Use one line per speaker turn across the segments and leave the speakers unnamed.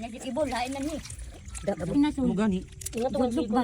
Ibon, lain na ni.
Mugani.
Ingat ko ba?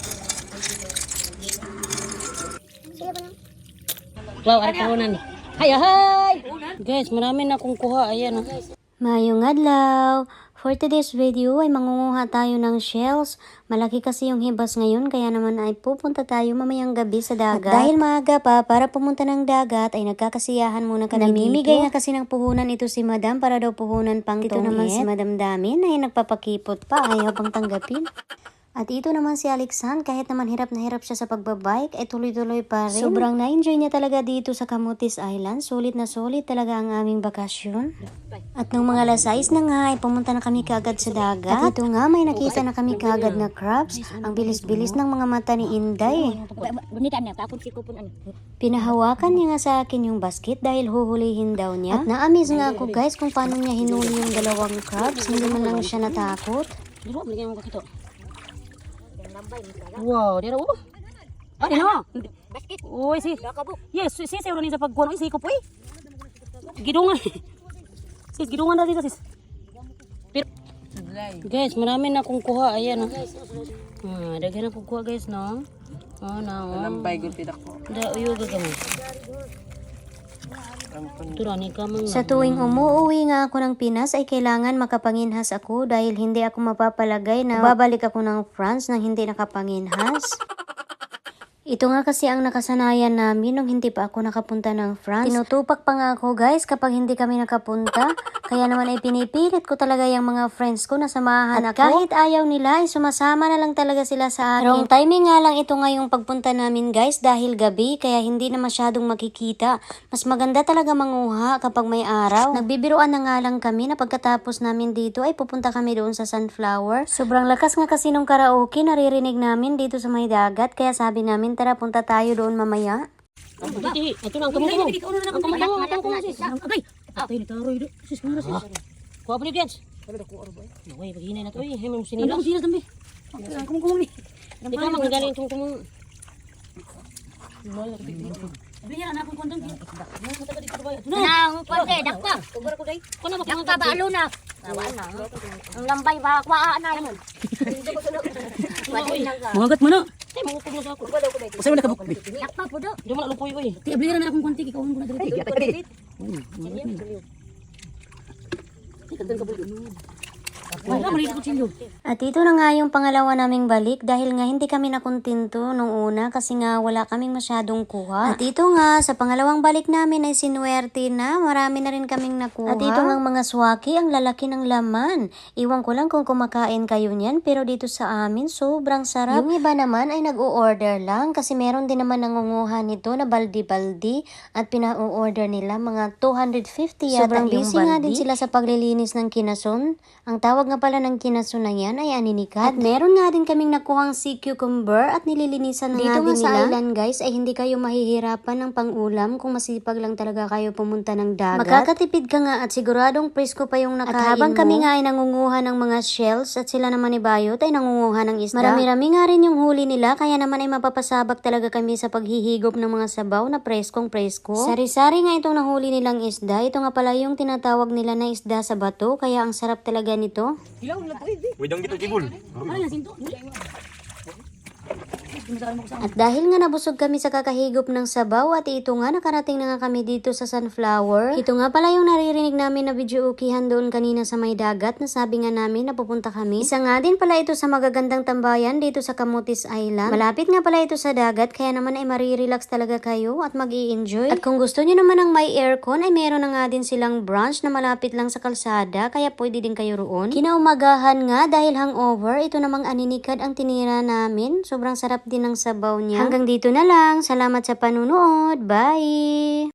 Wow, ari karonan ni. Hay.
Guys, marami na akong kuha. Ayan oh.
Mayong adlaw! For today's video ay mangunguha tayo ng shells. Malaki kasi yung hibas ngayon kaya naman ay pupunta tayo mamayang gabi sa dagat. At dahil maaga pa para pumunta ng dagat ay nagkakasiyahan muna kami dito. Namimigay nga kasi ng puhunan ito si Madam para daw puhunan pang ito naman si Madam Damin ay nagpapakipot pa ayaw pang tanggapin. At ito naman si Alexan, kahit naman hirap na hirap siya sa pagbabike, ay tuloy-tuloy pa rin. Sobrang na-enjoy niya talaga dito sa Camotes Island. Sulit na sulit talaga ang aming bakasyon. At nung mga alas 6 na nga, ay pumunta na kami kaagad sa dagat. At ito nga, may nakita na kami kaagad na crabs. Ang bilis-bilis ng mga mata ni Inday. Pinahawakan niya nga sa akin yung basket dahil huhulihin daw niya. At na-amaze nga ako guys kung paano niya hinuli yung dalawang crabs. Hindi man lang siya natakot.
Wow, dira oh. Ano no? Basket. Oy, si. Yes, si sa ni sa pagkuha ng isiko po eh. Gidungan. Sis, gidungan na dito sis. Pero guys, marami na akong kuha. Ayan oh. Daghan akong kuha guys no. Oh, na. Lambay gud pidak ko. Da uyo gagamo.
Sa tuwing umuwi nga ako ng Pinas ay kailangan makapanginhas ako dahil hindi ako mapapalagay na babalik ako ng France nang hindi nakapanginhas. Ito nga kasi ang nakasanayan namin nung hindi pa ako nakapunta ng France. Tinutupak pa nga ako guys kapag hindi kami nakapunta. Kaya naman ay pinipilit ko talaga yung mga friends ko na samahan ako. Kahit ayaw nila ay sumasama na lang talaga sila sa akin. Wrong timing nga lang ito ngayong pagpunta namin guys dahil gabi kaya hindi na masyadong makikita. Mas maganda talaga manguha kapag may araw. Nagbibiruan na nga lang kami na pagkatapos namin dito ay pupunta kami doon sa Sunflower. Sobrang lakas nga kasi nung karaoke naririnig namin dito sa may dagat kaya sabi namin tara punta tayo doon mamaya.
Ito lang kamu. Ang kamay sis. Agay. Atay ni taroy do. Sis kumara sis. Kuha pa ni Dians. Wala ko arbo. Oy, paghinay na to eh. Hemong sinila. Ang sinila tambi. Kumong ni. Di ka magaling tong kumong. Biya na akong kondong.
Nang konti dakpa.
Kubara ko dai. Kuno ba
Dakpa ba alo na? Wala. Ang lambay ba kwaa na yun.
Mangagat mo na. Ay mangupog na sa ako. Usa man nakabuk.
Dakpa po do.
Di mo na lupoy oy.
Ti abli na akong konti ikaw ko na diri.
At ito na nga yung pangalawa naming balik dahil nga hindi kami nakuntinto nung una kasi nga wala kaming masyadong kuha. At ito nga sa pangalawang balik namin ay sinuwerte na marami na rin kaming nakuha. At ito nga mga swaki ang lalaki ng laman. Iwan ko lang kung kumakain kayo niyan pero dito sa amin sobrang sarap. Yung iba naman ay nag-o-order lang kasi meron din naman nangunguha nito na baldi-baldi at pina-o-order nila mga 250 yata sobrang yung busy baldi. Nga din sila sa paglilinis ng kinason. Ang tawag nga pala ng kinaso na yan ay aninikat. At meron nga din kaming nakuhang sea cucumber at nililinisan na dito nga sa island guys ay hindi kayo mahihirapan ng pangulam kung masipag lang talaga kayo pumunta ng dagat. Makakatipid ka nga at siguradong presko pa yung nakain mo. At habang kami nga ay nangunguha ng mga shells at sila naman ni Bayot ay nangunguha ng isda. Marami-rami nga rin yung huli nila kaya naman ay mapapasabak talaga kami sa paghihigop ng mga sabaw na preskong presko. Sari-sari nga itong nahuli nilang isda. Ito nga pala yung tinatawag nila na isda sa bato kaya ang sarap talaga nito.
Wedang gitu kibul.
At dahil nga nabusog kami sa kakahigop ng sabaw at ito nga nakarating na nga kami dito sa Sunflower. Ito nga pala yung naririnig namin na video ukihan doon kanina sa may dagat na sabi nga namin na pupunta kami. Isa nga din pala ito sa magagandang tambayan dito sa Camotes Island. Malapit nga pala ito sa dagat kaya naman ay marirelax talaga kayo at mag-i-enjoy. At kung gusto nyo naman ng may aircon ay meron na nga din silang branch na malapit lang sa kalsada kaya pwede din kayo roon. Kinaumagahan nga dahil hangover ito namang aninikad ang tinira namin. Sobrang sarap din ng sabaw niya. Hanggang dito na lang. Salamat sa panunood. Bye!